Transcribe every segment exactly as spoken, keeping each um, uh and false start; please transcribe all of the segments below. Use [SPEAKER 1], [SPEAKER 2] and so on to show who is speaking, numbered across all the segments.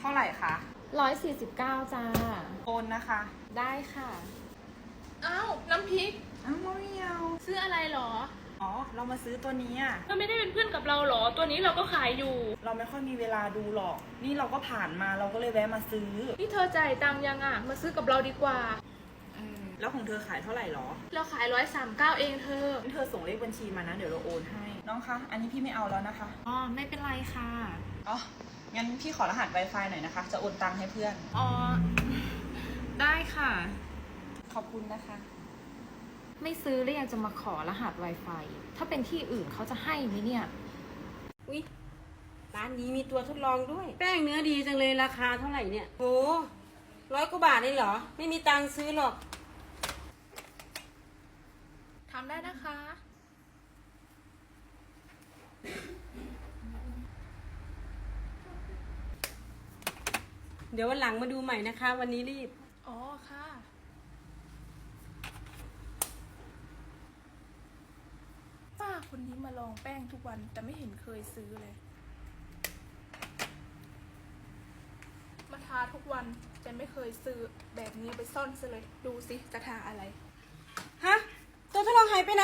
[SPEAKER 1] ท่าไหร่คะ
[SPEAKER 2] ร้อยสี่สิบเก้าจ้า
[SPEAKER 1] โอนนะคะ
[SPEAKER 2] ได้ค่ะ
[SPEAKER 3] อ้าวน้ำพริก
[SPEAKER 1] อ้าวไม่เอา
[SPEAKER 3] ซื้ออะไรหรอ
[SPEAKER 1] อ๋อเรามาซื้อตัวนี้อ่ะ
[SPEAKER 3] เธอไม่ได้เป็นเพื่อนกับเราหรอตัวนี้เราก็ขายอยู่
[SPEAKER 1] เราไม่ค่อยมีเวลาดูหรอกนี่เราก็ผ่านมาเราก็เลยแวะมาซื้อ
[SPEAKER 3] นี่เธอจ่ายตังค์ยังอ่ะมาซื้อกับเราดีกว่า
[SPEAKER 1] แล้วของเธอขายเท่าไหร่หรอ
[SPEAKER 3] เราขายร้อยสามเก้าเองเธอ
[SPEAKER 1] เธอส่งเลขบัญชีมานะเดี๋ยวเราโอนให้น้องคะอันนี้พี่ไม่เอาแล้วนะคะ
[SPEAKER 2] อ๋อไม่เป็นไรค่ะ
[SPEAKER 1] อ๋องั้นพี่ขอรหัส Wi-Fi หน่อยนะคะจะโอนตังค์ให้เพื่อน
[SPEAKER 2] อ๋อได้ค่ะ
[SPEAKER 1] ขอบคุณนะคะ
[SPEAKER 2] ไม่ซื้อแล้วยังจะมาขอรหัส Wi-Fi ถ้าเป็นที่อื่นเขาจะให้ไหมเนี่ย
[SPEAKER 4] อุ๊ยร้านนี้มีตัวทดลองด้วยแป้งเนื้อดีจังเลยราคาเท่าไหร่เนี่ยโหร้อยกว่าบาทเลยเหรอไม่มีตังค์ซื้อหรอก
[SPEAKER 3] ทำได้นะคะ
[SPEAKER 4] เดี๋ยววันหลังมาดูใหม่นะคะวันนี้รีบ
[SPEAKER 3] อ๋อค่ะป้าคนนี้มาลองแป้งทุกวันแต่ไม่เห็นเคยซื้อเลยมาทาทุกวันแต่ไม่เคยซื้อแบบนี้ไปซ่อนซะเลยดูสิจะทาอะไร
[SPEAKER 4] ฮะตัวทดลองหายไปไหน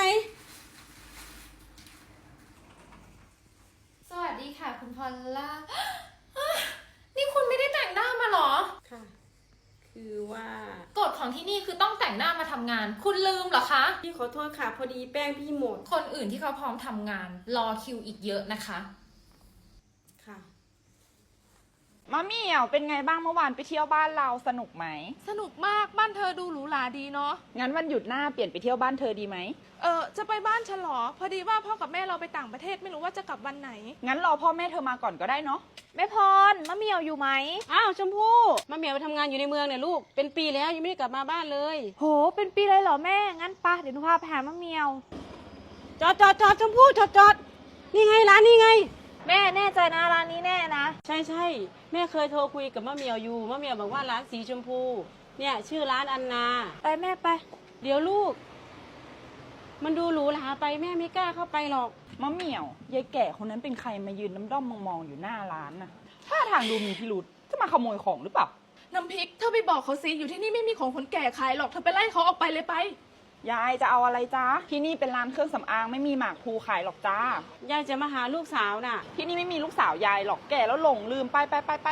[SPEAKER 2] สวัสดีค่ะคุณพอลล่านี่คุณไม่ได้แต่งหน้ามาหรอ
[SPEAKER 4] ค่ะคือว่าก
[SPEAKER 2] ฎของที่นี่คือต้องแต่งหน้ามาทำงานคุณลืมเหรอคะ
[SPEAKER 4] พี่ขอโทษค่ะพอดีแป้งพี่หมด
[SPEAKER 2] คนอื่นที่เขาพร้อมทำงานรอคิวอีกเยอะนะคะ
[SPEAKER 4] ค่ะ
[SPEAKER 1] มะเหมี่ยวเป็นไงบ้างเมื่อวานไปเที่ยวบ้านเราสนุกไหม
[SPEAKER 3] สนุกมากบ้านเธอดูหรูหราดีเนาะ
[SPEAKER 1] งั้นวันหยุดหน้าเปลี่ยนไปเที่ยวบ้านเธอดีไหม
[SPEAKER 3] เออจะไปบ้านฉันหรอพอดีว่าพ่อกับแม่เราไปต่างประเทศไม่รู้ว่าจะกลับวันไหน
[SPEAKER 1] งั้นรอพ่อแม่เธอมาก่อนก็ได้เนาะ
[SPEAKER 2] แม่พรมะเหมี่ยวอยู่ไหม
[SPEAKER 4] อ้าวชมพู่มะเหมี่ยวไปทำงานอยู่ในเมืองเนี่ยลูกเป็นปีแล้วยังไม่ได้กลับมาบ้านเลย
[SPEAKER 2] โหเป็นปีเลยเหรอแม่งั้นปะเดี๋ยวหนูพาไปหามะเหมี่ยว
[SPEAKER 4] จอดจอดจอดชมพู่จอดจอดนี่ไงร้านนี่ไง
[SPEAKER 2] แม่แน่ใจนะร้านนี้แน่นะ
[SPEAKER 4] ใช่ใช่แม่เคยโทรคุยกับมะเหมี่ยวอยู่มะเหมี่ยวบอกว่าร้านสีชมพูเนี่ยชื่อร้านอันนา
[SPEAKER 2] ไปแม่ไป
[SPEAKER 4] เดี๋ยวลูกมันดูหรูหราไปแม่ไม่กล้าเข้าไปหรอก
[SPEAKER 1] มะเหมี่ยวยายแก่คนนั้นเป็นใครมายืนน้ำด้อมมองๆอยู่หน้าร้านน่ะท่าทางดูมีพิรุธจะมาขโมยของหรือเปล่า
[SPEAKER 3] น้ำพริกเธอไปบอกเขาสิอยู่ที่นี่ไม่มีของคนแก่ขายหรอกเธอไปไล่เขาออกไปเลยไป
[SPEAKER 1] ยายจะเอาอะไรจ้าที่นี่เป็นร้านเครื่องสำอางไม่มีหมากพลูขายหรอกจ้าย
[SPEAKER 4] ายจะมาหาลูกสาวน่ะ
[SPEAKER 1] ที่นี่ไม่มีลูกสาวยายหรอกแก่แล้วหลงลืมไปไปไปไป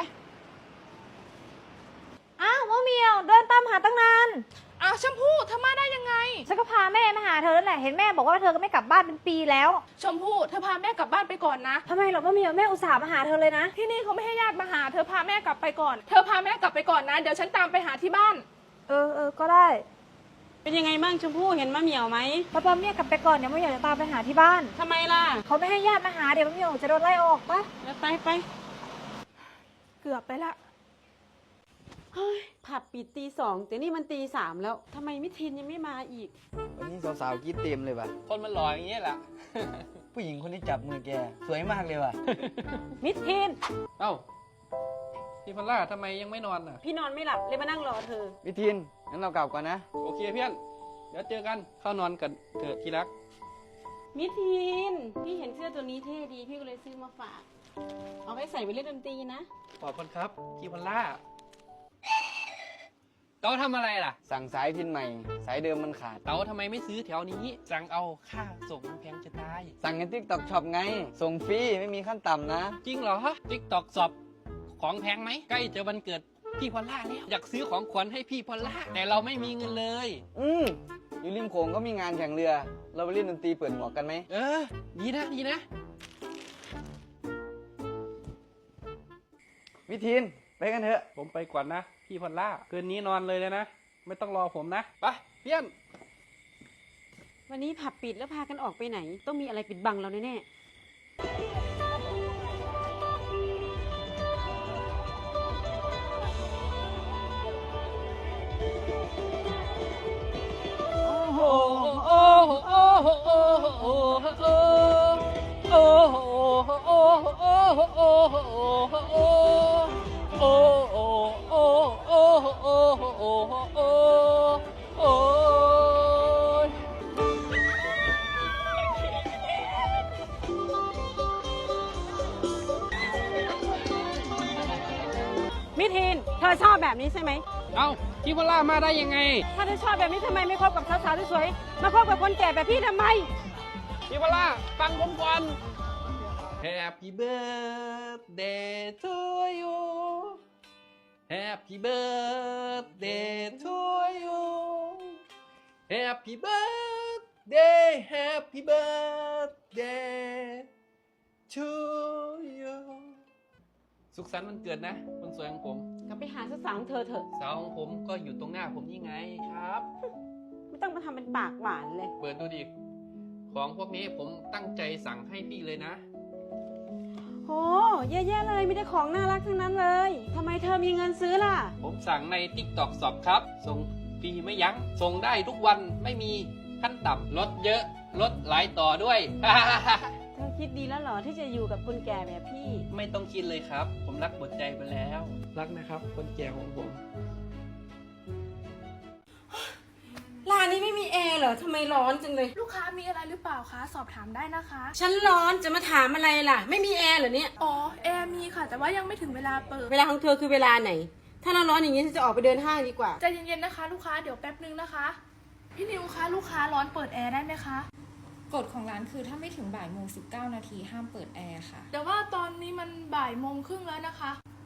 [SPEAKER 2] อ้าวมะเหมี่ยวเดินตามหาตั้งนาน
[SPEAKER 3] อ้าวชมพู่เธอมาได้ยังไง
[SPEAKER 2] ฉันก็พาแม่มาหาเธอแล้วแหละเห็นแม่บอกว่าเธอก็ไม่กลับบ้านเป็นปีแล้ว
[SPEAKER 3] ชมพู่เธอพาแม่กลับบ้านไปก่อนนะ
[SPEAKER 2] ทำไมหรอมะเหมี่ยวแม่อุตส่าห์มาหาเธอเลยนะ
[SPEAKER 3] ที่นี่เขาไม่ให้ญาติมาหาเธอพาแม่กลับไปก่อนเธอพาแม่กลับไปก่อนนะเดี๋ยวฉันตามไปหาที่บ้าน
[SPEAKER 2] เออเออก็ได้
[SPEAKER 4] เป็นยังไงบ้างชมพู่เห็นมะเหมี่ยวไหม
[SPEAKER 2] ป้าป้าเมียกลับไปก่อนเดี๋ยวมะเหมี่ยวจะตามไปหาที่บ้าน
[SPEAKER 4] ทำไมล่ะ
[SPEAKER 2] เขาไม่ให้ญาติมาหาเดี๋ยวมะเหมี่ยวจะโดนไล่ออกปะ
[SPEAKER 4] ไปไป
[SPEAKER 3] เกือบไปละ
[SPEAKER 4] เฮ้ยผับปิดตีสองแต่นี่มันตีสามแล้วทำไมมิทินยังไม่มาอีก
[SPEAKER 5] วันนี้สาวๆกินเต็มเลยว่ะ
[SPEAKER 6] คนมันหล่ออย่างเงี้ยแหละ
[SPEAKER 5] ผู้หญิงคนที่จับมือแกสวยมากเลยว่ะ
[SPEAKER 4] มิทิน
[SPEAKER 6] เอ้าพี่พันล่าทำไมยังไม่นอนอ่ะ
[SPEAKER 4] พี่นอนไม่หลับเลยมานั่งรอเธอ
[SPEAKER 5] มิทินงั้นเรากลับก่อนนะ
[SPEAKER 6] โอเคเพื่อนเดี๋ยวเจอกันเข้านอนกันเถอะที่รัก
[SPEAKER 4] มิทินพี่เห็นเสื้อตัวนี้เท่ดีพี่ก็เลยซื้อมาฝากเอาไว้ใส่ไปเล่นดนตรีนะ
[SPEAKER 6] ขอบคุณครับพี่พันล่าเต๋าทำอะไรล่ะ
[SPEAKER 5] สั่งสายพินใหม่สายเดิมมันขาด
[SPEAKER 6] เต๋าทำไมไม่ซื้อแถวนี้สั่งเอาค่าส่งแพงจะตาย
[SPEAKER 5] สั่งในติ๊กต็อกช็อปไงส่งฟรีไม่มีขั้นต่ำนะ
[SPEAKER 6] จริงเหรอติ๊กต็อกช็อปของแพงไหมใกล้จะวันเกิดพี่พอลล่าแล้วอยากซื้อของขวัญให้พี่พอลล่าแต่เราไม่มีเงินเลย
[SPEAKER 5] อืมอยู่ริมโขงก็มีงานแข่งเรือเราไปเล่นดนตรีเปิดหมวกกันไหม
[SPEAKER 6] เออดีนะดีนะ
[SPEAKER 5] มิทินไปกันเถอะ
[SPEAKER 6] ผมไปก่อนนะพี่พอลล่าคืนนี้นอนเลยเลยนะไม่ต้องรอผมนะไปเพี้ยน
[SPEAKER 4] วันนี้ผับปิดแล้วพากันออกไปไหนต้องมีอะไรปิดบังเราแน่ๆมิทีนเธอชอบแบบนี้ใช่ไหม
[SPEAKER 6] เอ้าพี่พอลล่ามาได้ยังไง
[SPEAKER 4] ถ้าเธอชอบแบบนี้ทำไมไม่คบกับสาวๆสวยๆมาคบกับคนแก่แบบพี่ทำไม
[SPEAKER 6] พี่พอลล่าฟังผมก่อน Happy birthday to you Happy birthday to you Happy birthday Happy birthday to you สุขสันต์วันเกิดนะคนสวยของผม
[SPEAKER 4] กลับไปหาสาวๆของเธอเถอะ
[SPEAKER 6] สาวของผมก็อยู่ตรงหน้าผมนี่ไงครับ
[SPEAKER 4] ไม่ต้องมาทำเป็นปากหวานเลย
[SPEAKER 6] เปิดดูดิ ของพวกนี้ผมตั้งใจสั่งให้พี่เลยนะ
[SPEAKER 4] โหแย่ๆเลยมีแต่ของน่ารักทั้งนั้นเลยทำไมเธอมีเงินซื้อล่ะ
[SPEAKER 6] ผมสั่งใน TikTok Shop ครับ ส่งฟรีไม่ยัง้ง ส่งได้ทุกวันไม่มีขั้นต่ำลดเยอะ ลดหลายต่อด้วย
[SPEAKER 4] เธอคิดดีแล้วเหรอที่จะอยู่กับคนแก่แบบพี่
[SPEAKER 6] ไม่ต้องคิดเลยครับ ผมรักหมดใจไปแล้ว รักนะครับ คนแก่ของผม
[SPEAKER 4] ร้านนี้ไม่มีแอร์เหรอทำไมร้อนจังเลย
[SPEAKER 3] ลูกค้ามีอะไรหรือเปล่าคะ สอบถามได้นะคะ
[SPEAKER 4] ฉันร้อนจะมาถามอะไรล่ะ ไม่มีแอร์เหรอเนี่ย
[SPEAKER 3] อ๋อ แอร์มีค่ะ แต่ว่ายังไม่ถึงเวลาเปิด
[SPEAKER 4] เวลาของเธอคือเวลาไหน ถ้าเราร้อนอย่างนี้ฉันจะออกไปเดินห้างดีกว่า
[SPEAKER 3] ใจเย็นๆนะคะ ลูกค้า เดี๋ยวแป๊บนึงนะคะ พี่นิวคะ ลูกค้าร้อนเปิดแอร์ได้ไหมคะ
[SPEAKER 2] กฎของร้านคือถ้าไม่ถึงบ่ายโมงสิบเก้านาทีห้ามเปิดแอร์ค่ะ
[SPEAKER 3] แต่ว่าตอนนี้มันบ่ายโมงครึ่งแล้วนะคะ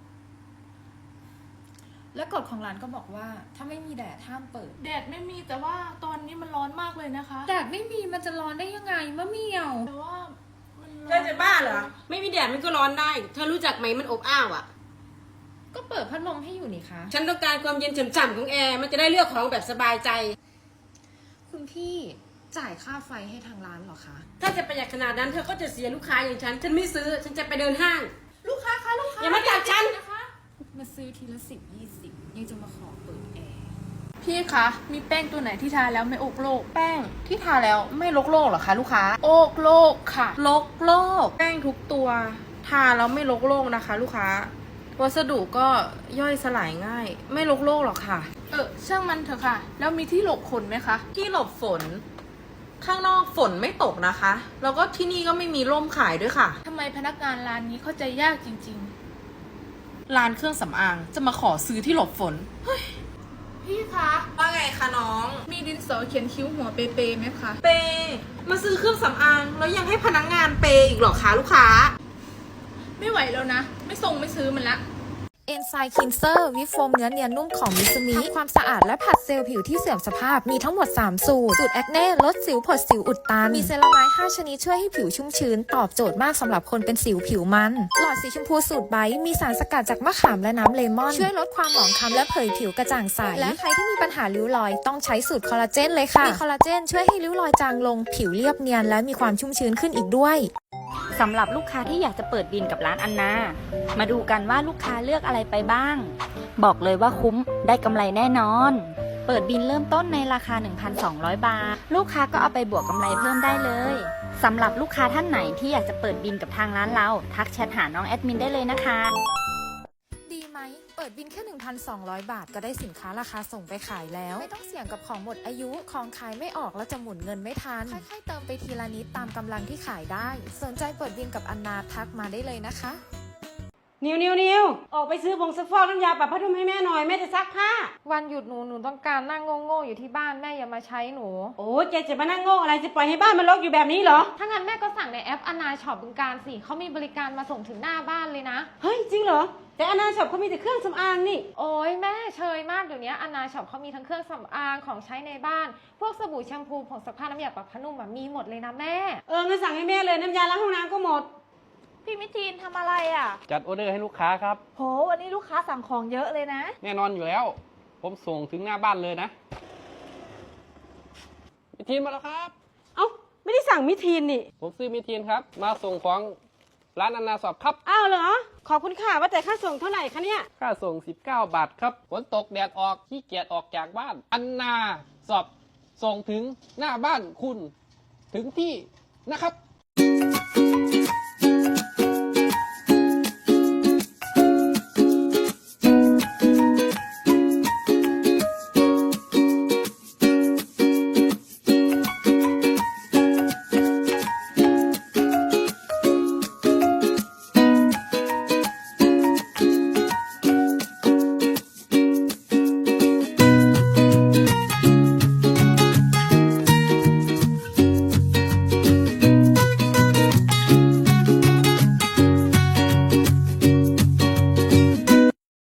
[SPEAKER 2] และกฎของร้านก็บอกว่าถ้าไม่มีแดดห้ามเปิด
[SPEAKER 3] แดดไม่มีแต่ว่าตอนนี้มันร้อนมากเลยนะคะ
[SPEAKER 2] แดดไม่มีมันจะร้อนได้ยังไงมะเหมี่ยว
[SPEAKER 3] แต่ว่ามันร้อน
[SPEAKER 4] เธอจะบ้าเหรอ ไม่มีแดดมันก็ร้อนได้ เธอรู้จักไหมมันอบอ้าวอ่ะ
[SPEAKER 2] ก็เปิดพัดลมให้อยู่นี่คะ
[SPEAKER 4] ฉันต้องการความเย็นฉ่ำๆของแอร์ มันจะได้เลือกของแบบสบายใจ
[SPEAKER 2] คุณพี่จ่ายค่าไฟให้ทางร้านเหรอคะ
[SPEAKER 4] ถ้าจะประหยัดขนาดนั้นเธอก็จะเสียลูกค้าอย่างฉัน ฉันไม่ซื้อ ฉันจะไปเดินห้าง
[SPEAKER 3] ลูกค้าคะลูกค้า
[SPEAKER 4] อย่ามาจับฉัน
[SPEAKER 3] นะคะ
[SPEAKER 2] มาซื้อทีละสิบยี่สิบยังจะมาขอเปิดแอร์
[SPEAKER 3] พี่คะ มีแป้งตัวไหนที่ทาแล้วไม่อกโลก แป้งที่ทาแล้วไม่ลกโลกเหรอคะลูกค้า โอกโลกค่ะ
[SPEAKER 7] ลกโลก แป้งทุกตัว ทาแล้วไม่ลกโลกนะคะ ลูกค้า วัสดุก็ย่อยสลายง่าย ไม่ลกโลกหรอกค่ะ
[SPEAKER 3] เออช่างมันเถอะค่ะ แล้วมีที่หลบขนไหมคะ
[SPEAKER 7] ที่หลบฝน ข้างนอกฝนไม่ตกนะคะ แล้วก็ที่นี่ก็ไม่มีร่มขายด้วยค่ะ
[SPEAKER 3] ทำไมพนักงานร้านนี้เข้าใจยากจริง
[SPEAKER 7] ร้านเครื่องสำอางจะมาขอซื้อที่หลบฝน
[SPEAKER 3] ๆ พี่คะ
[SPEAKER 7] ว่าไงคะน้อง
[SPEAKER 3] มีดินสอเขียนคิ้วหัวเปเปไหมคะ
[SPEAKER 7] เปย์มาซื้อเครื่องสำอางแล้วยังให้พนักงานเปย์อีกเหรอคะลูกค้า
[SPEAKER 3] ไม่ไหวแล้วนะ ไม่ส่งไม่ซื้อมันละ
[SPEAKER 2] เอนไซม์คินเซอร์วิปโฟมเนื้อเนียนนุ่มของมิซูมิทำความสะอาดและผัดเซลล์ผิวที่เสื่อมสภาพมีทั้งหมดสามสูตร สูตรแอคเน่ลดสิวผดสิวอุดตัน มีเซรามายห้าชนิดช่วยให้ผิวชุ่มชื้น ตอบโจทย์มากสำหรับคนเป็นสิวผิวมัน หลอดสีชมพูสูตรไบท์มีสารสกัดจากมะขามและน้ำเลมอน ช่วยลดความหมองคล้ำและเผยผิวกระจ่างใส และใครที่มีปัญหาริ้วรอยต้องใช้สูตรคอลลาเจนเลยค่ะมีคอลลาเจนช่วยให้ริ้วรอยจางลงผิวเรียบเนียนและมีความชุ่มชื้นขึ้นอีกด้วย
[SPEAKER 8] สำหรับลูกค้าที่อยากจะเปิดบินกับร้านอันนา มาดูกันว่าลูกค้าเลือกอะไรไปบ้าง บอกเลยว่าคุ้มได้กำไรแน่นอน เปิดบินเริ่มต้นในราคา หนึ่งพันสองร้อย บาท ลูกค้าก็เอาไปบวกกำไรเพิ่มได้เลยสำหรับลูกค้าท่านไหนที่อยากจะเปิดบินกับทางร้านเรา ทักแชทหาน้องแอดมินได้เลยนะคะ
[SPEAKER 2] ดีไหม เปิดบินแค่ หนึ่งพันสองร้อย บาทก็ได้สินค้าราคาส่งไปขายแล้ว ไม่ต้องเสี่ยงกับของหมดอายุ ของขายไม่ออกแล้วจะหมุนเงินไม่ทัน ค่อยๆเติมไปทีละนิดตามกำลังที่ขายได้ สนใจเปิดบินกับอันนาทักมาได้เลยนะคะ
[SPEAKER 4] นิวนิวนิวออกไปซื้อผงซักฟอกน้ำยาปรับผ้านุ่มให้แม่หน่อยแม่จะซักผ้า
[SPEAKER 9] วันหยุดหนูหนูต้องการนั่งโง่ๆอยู่ที่บ้านแม่อย่ามาใช้หนู
[SPEAKER 4] โอ้แกจะมานั่งโง่อะไรจะปล่อยให้บ้านมันรกอยู่แบบนี้เหรอ
[SPEAKER 9] ถ้างั้นแม่ก็สั่งในแอปอนาช็อปบึงการสิเขามีบริการมาส่งถึงหน้าบ้านเลยนะ
[SPEAKER 4] เฮ้ยจริงเหรอ แต่อนาช็อปเขามีแต่เครื่องสำอางนี่
[SPEAKER 9] โอ้ยแม่เชยมากเดี๋ยวนี้อนาช็อปเขามีทั้งเครื่องสำอางของใช้ในบ้าน พวกสบู่แชมพูผงซักผ้าน้ำยาปรับผ้านุ่มมีหมดเลยนะแม่
[SPEAKER 4] เอองั้นสั่งให้แม่เลยน้ำยาล้างห้องน้ำก็หมด
[SPEAKER 1] พี่มิทีนทำอะไรอ่ะ
[SPEAKER 6] จัดออเดอร์ให้ลูกค้าครับ
[SPEAKER 1] โห วันนี้ลูกค้าสั่งของเยอะเลยนะ
[SPEAKER 6] แน่นอนอยู่แล้ว ผมส่งถึงหน้าบ้านเลยนะมิทีนมาแล้วครับ
[SPEAKER 4] เอ้าไม่ได้สั่งมิทีนนี่
[SPEAKER 6] ผมซื้อมิทีนครับ มาส่งของร้านอันนาสอบครับ
[SPEAKER 4] อ้าวเหรอ ขอบคุณค่ะว่าแต่ค่าส่งเท่าไหร่คะเนี่ย
[SPEAKER 6] ค่าส่งสิบเก้าบาทครับ ฝนตกแดดออกขี้เกียจออกจากบ้าน อันนาสอบส่งถึงหน้าบ้านคุณ ถึงที่นะครับ